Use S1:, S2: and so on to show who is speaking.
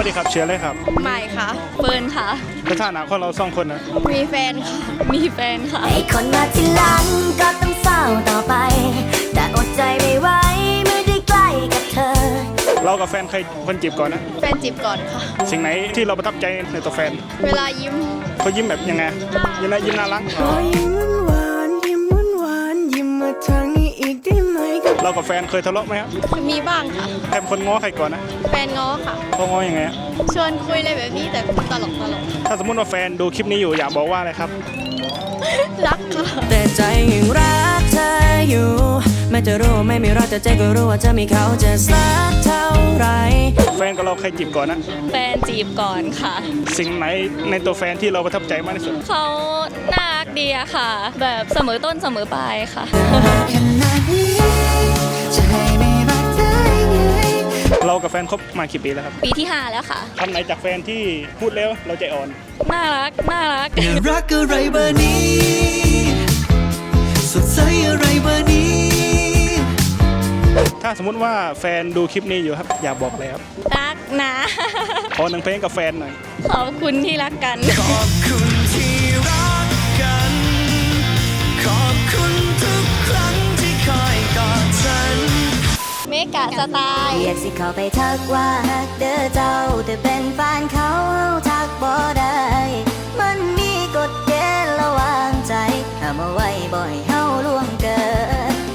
S1: วัสดีครับเชื่อเลยครับ
S2: ใหม่ค่ะเฟิร์นค่ะ
S1: สถานะของเราสองคนนะ
S2: มีแฟนค่ะมีแฟนค่ะ
S3: ไอ้คนมาทีหลังก็ต้องเศร้าต่อไปแต่อดใจไม่ไหวเมื่อได้ใกล้กับเธอ
S1: เรากับแฟนใครคนจีบก่อนนะ
S2: แฟนจีบก่อนค่ะ
S1: สิ่งไหนที่เราประทับใจในตัวแฟน
S2: เวลายิ้ม
S1: เขายิ้มแบบยังไงยิ้มน่ารัก
S3: ยิ้มหวานยิ้มหวานยิ้มมาทางนี้อีกได้ไหม
S1: เรากับแฟนเคยทะเลาะไหมครับ
S2: มีบ้างค่ะ
S1: ใครเป็นคนง้อใครก่อนนะ
S2: แฟนง้อค่ะ
S1: เขาง้อยังไง
S2: ชวนคุยอะไรแบบนี้แต่ตลก
S1: ถ้าสมมติว่าแฟนดูคลิปนี้อยู่อยากบอกว่าอะไรครับ
S2: รักค่ะ
S3: แต่ใจยังรักเธออยู่แม้จะรู้ไม่มีรักแต่ใจก็รู้ว่าจะมีเขาจะสักเท่าไร
S1: แฟนกับเราใครจีบก่อนนะ
S2: แฟนจีบก่อนค่ะ
S1: สิ่งไหนในตัวแฟนที่เราประทับใจมากที่สุด
S2: เขาน่ารักดีอะค่ะแบบเสมอต้นเสมอปลายค่ะ
S1: เรากับแฟนคบมากี่ปีแล้วครับ
S2: ปีที่5แล้วค่ะ
S1: คำไหนจากแฟนที่พูดแล้วเราใจอ่อน
S2: น่ารัก
S3: รักอะไรเบอร์นี้สดใสอะไรเบอร์นี้
S1: ถ้าสมมุติว่าแฟนดูคลิปนี้อยู่ครับอยากบอกอะไรครับ
S2: รักนะ
S1: ขอหนึ่งเพลงกับแฟนหน่อย
S2: ขอบคุณที่รักกัน
S3: ขอบคุณที่รักกันขอบคุณทุกครั้งที่คอยกอดฉัน
S2: เมกะสไตล์
S3: อยากสิเข้าไปทักว่าฮักเด้อเจ้าแต่เป็นแฟนเขา